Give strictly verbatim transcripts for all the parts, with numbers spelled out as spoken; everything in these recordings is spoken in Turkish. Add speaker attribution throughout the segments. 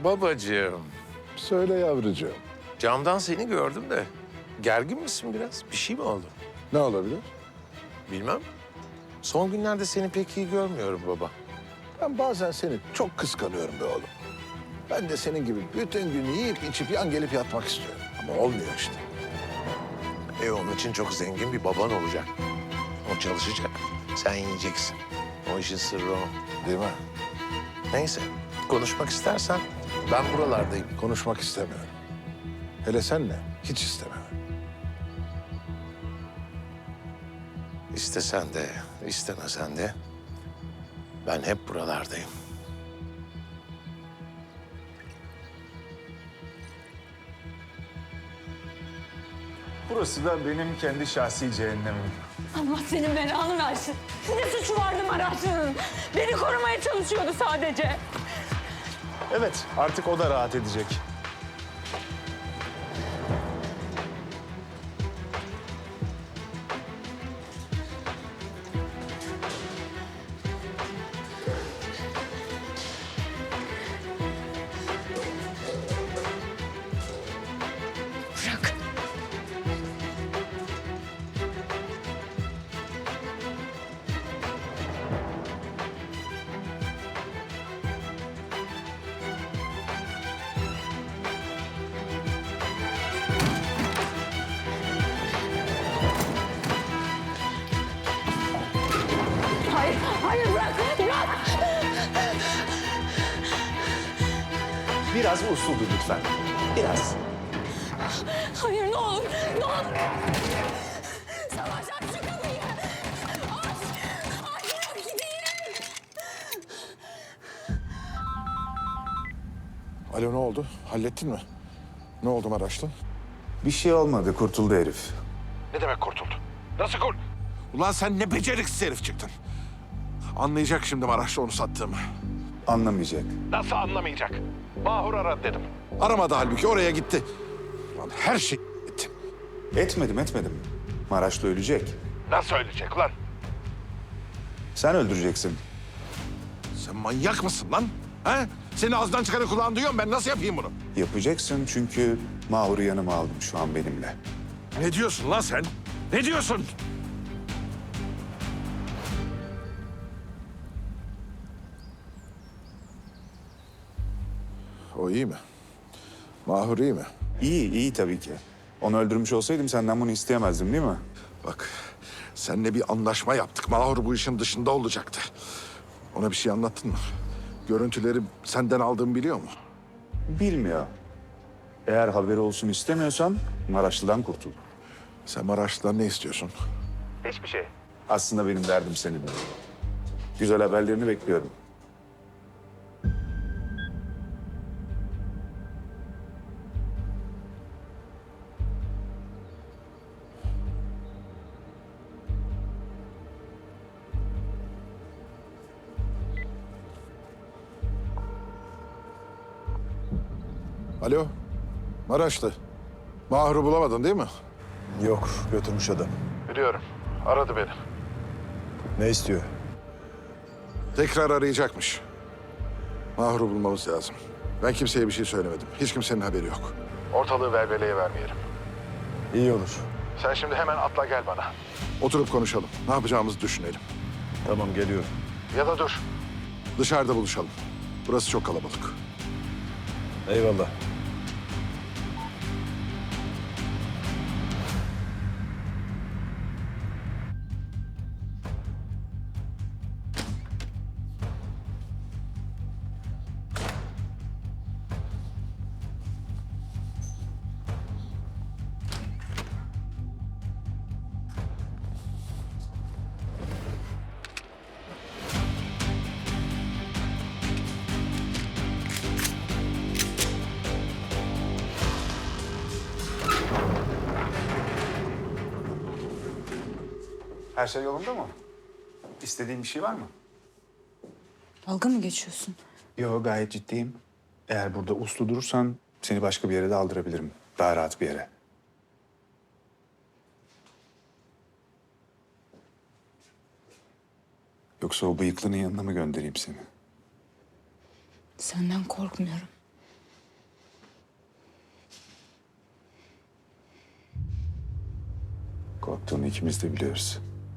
Speaker 1: Babacığım,
Speaker 2: Söyle yavrucuğum.
Speaker 1: camdan seni gördüm de gergin misin biraz? Bir şey mi oldu?
Speaker 2: Ne olabilir?
Speaker 1: Bilmem. Son günlerde seni pek iyi görmüyorum baba.
Speaker 2: Ben bazen seni çok kıskanıyorum be oğlum. Ben de senin gibi bütün gün yiyip içip yan gelip yatmak istiyorum. Ama olmuyor işte.
Speaker 1: E onun için çok zengin bir baban olacak. O çalışacak, sen yiyeceksin. O işin sırrı o.
Speaker 2: Değil mi?
Speaker 1: Neyse, konuşmak istersen ben buralardayım.
Speaker 2: Konuşmak istemiyorum. Hele senle hiç istemiyorum.
Speaker 1: İstesen de, istemesen de ben hep buralardayım.
Speaker 3: Burası da benim kendi şahsi cehennemim.
Speaker 4: Allah senin belanı versin. Ne suçu vardı Maraşlı'nın? Beni korumaya çalışıyordu sadece.
Speaker 3: Evet, artık o da rahat edecek.
Speaker 4: Bırak. Hayır, hayır bırak, bırak.
Speaker 3: Biraz usuldu lütfen. Biraz.
Speaker 4: Hayır ne olur, ne olur. Savaş aç şu kapıyı. Aç, aç bırak gideyim.
Speaker 2: Alo ne oldu? Hallettin mi? Ne oldu Maraşlı?
Speaker 3: Bir şey olmadı, kurtuldu herif.
Speaker 2: Ne demek kurtuldu? Nasıl kurt? Ulan sen ne beceriksiz herif çıktın. Anlayacak şimdi Maraşlı onu sattığımı.
Speaker 3: Anlamayacak.
Speaker 2: Nasıl anlamayacak? Mahur aradı dedim. Aramadı halbuki oraya gitti. Ulan her şey gitti.
Speaker 3: Etmedim, etmedim. Maraşlı ölecek.
Speaker 2: Nasıl ölecek lan?
Speaker 3: Sen öldüreceksin.
Speaker 2: Sen manyak mısın lan? He? Seni ağzından çıkanı kulağın duyuyorum. Ben nasıl yapayım bunu?
Speaker 3: Yapacaksın çünkü Mahur'u yanıma aldım şu an benimle.
Speaker 2: Ne diyorsun lan sen? Ne diyorsun? O iyi mi? Mahur iyi mi?
Speaker 3: İyi, iyi tabii ki. Onu öldürmüş olsaydım senden bunu isteyemezdim değil mi?
Speaker 2: Bak, seninle bir anlaşma yaptık. Mahur bu işin dışında olacaktı. Ona bir şey anlattın mı? Görüntüleri senden aldığımı biliyor mu?
Speaker 3: Bilmiyor. Eğer haberi olsun istemiyorsan Maraşlı'dan kurtul.
Speaker 2: Sen Maraşlı'dan ne istiyorsun?
Speaker 3: Hiçbir şey. Aslında benim derdim seninle. Güzel haberlerini bekliyorum.
Speaker 2: Alo, Maraşlı. Mahur'u bulamadın değil mi?
Speaker 5: Yok, götürmüş adam.
Speaker 2: Biliyorum. Aradı beni.
Speaker 5: Ne istiyor?
Speaker 2: Tekrar arayacakmış. Mahur'u bulmamız lazım. Ben kimseye bir şey söylemedim. Hiç kimsenin haberi yok. Ortalığı velveleye vermeyelim.
Speaker 5: İyi olur.
Speaker 2: Sen şimdi hemen atla gel bana. Oturup konuşalım. Ne yapacağımızı düşünelim.
Speaker 5: Tamam, geliyorum.
Speaker 2: Ya da dur. Dışarıda buluşalım. Burası çok kalabalık.
Speaker 5: Eyvallah.
Speaker 3: Her şey yolunda mı? İstediğin bir şey var mı?
Speaker 4: Dalga mı geçiyorsun?
Speaker 3: Yok, gayet ciddiyim. Eğer burada uslu durursan seni başka bir yere de aldırabilirim. Daha rahat bir yere. Yoksa o bıyıklının yanına mı göndereyim seni?
Speaker 4: Senden korkmuyorum.
Speaker 3: korktuğunu ikimiz de biliyoruz.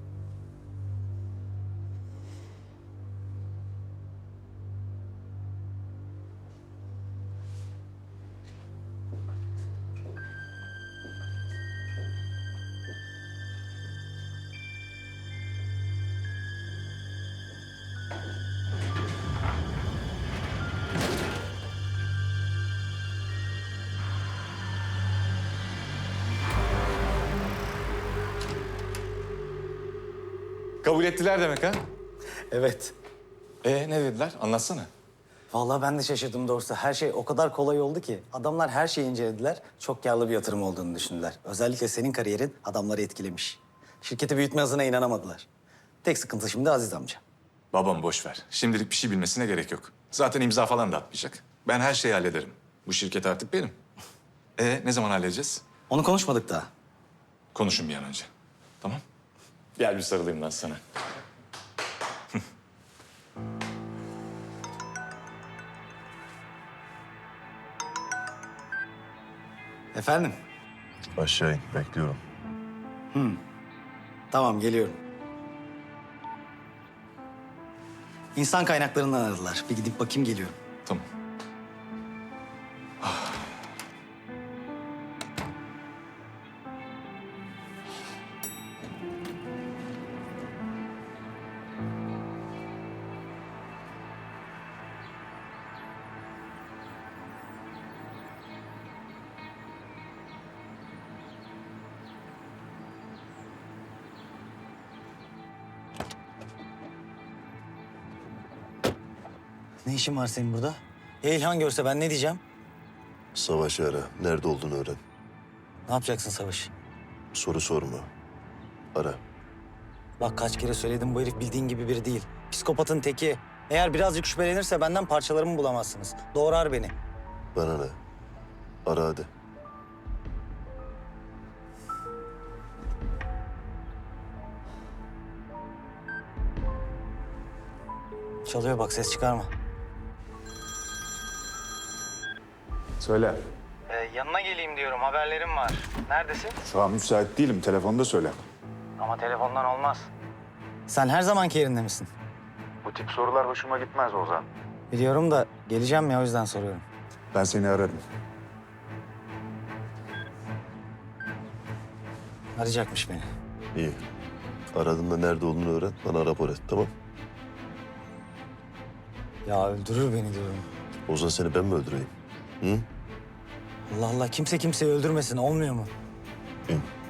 Speaker 6: Kabul ettiler demek ha?
Speaker 7: Evet.
Speaker 6: Ee ne dediler? Anlatsana.
Speaker 7: Vallahi ben de şaşırdım doğrusu. Her şey o kadar kolay oldu ki. Adamlar her şeyi incelediler. Çok karlı bir yatırım olduğunu düşündüler. Özellikle senin kariyerin adamları etkilemiş. Şirketi büyütme hızına inanamadılar. Tek sıkıntı şimdi Aziz amca.
Speaker 6: Babam boş ver. Şimdilik bir şey bilmesine gerek yok. Zaten imza falan da atmayacak. Ben her şeyi hallederim. Bu şirket artık benim. Ee ne zaman halledeceğiz?
Speaker 7: Onu konuşmadık daha.
Speaker 6: Konuşun bir an önce. Tamam? Gel bir sarılayım ben sana.
Speaker 7: Efendim?
Speaker 5: Aşağı in. Bekliyorum.
Speaker 7: Tamam geliyorum. İnsan kaynaklarından aradılar. Bir gidip bakayım geliyorum.
Speaker 6: Tamam.
Speaker 7: Ne işin var senin burada? Ya İlhan görse ben ne diyeceğim?
Speaker 8: Savaşı ara. Nerede olduğunu öğren.
Speaker 7: Ne yapacaksın Savaş?
Speaker 8: Soru sorma. Ara.
Speaker 7: Bak kaç kere söyledim bu herif bildiğin gibi biri değil. Psikopatın teki. Eğer birazcık şüphelenirse benden parçalarımı bulamazsınız. Doğrar beni.
Speaker 8: Bana ne? Ara hadi.
Speaker 7: Çalıyor bak ses çıkarma.
Speaker 3: Söyle.
Speaker 7: Ee, yanına geleyim diyorum haberlerim var. Neredesin?
Speaker 3: Şu an müsait değilim. Telefonda söyle.
Speaker 7: Ama telefondan olmaz. Sen her zamanki yerinde misin?
Speaker 3: Bu tip sorular hoşuma gitmez Ozan.
Speaker 7: Biliyorum da geleceğim ya o yüzden soruyorum.
Speaker 3: Ben seni ararım.
Speaker 7: Arayacakmış beni.
Speaker 8: İyi. Aradığında nerede olduğunu öğren. Bana rapor et, tamam?
Speaker 7: Ya öldürür beni diyorum.
Speaker 8: Ozan seni ben mi öldüreyim? Hı?
Speaker 7: Allah Allah kimse kimseyi öldürmesin olmuyor mu?
Speaker 8: İn.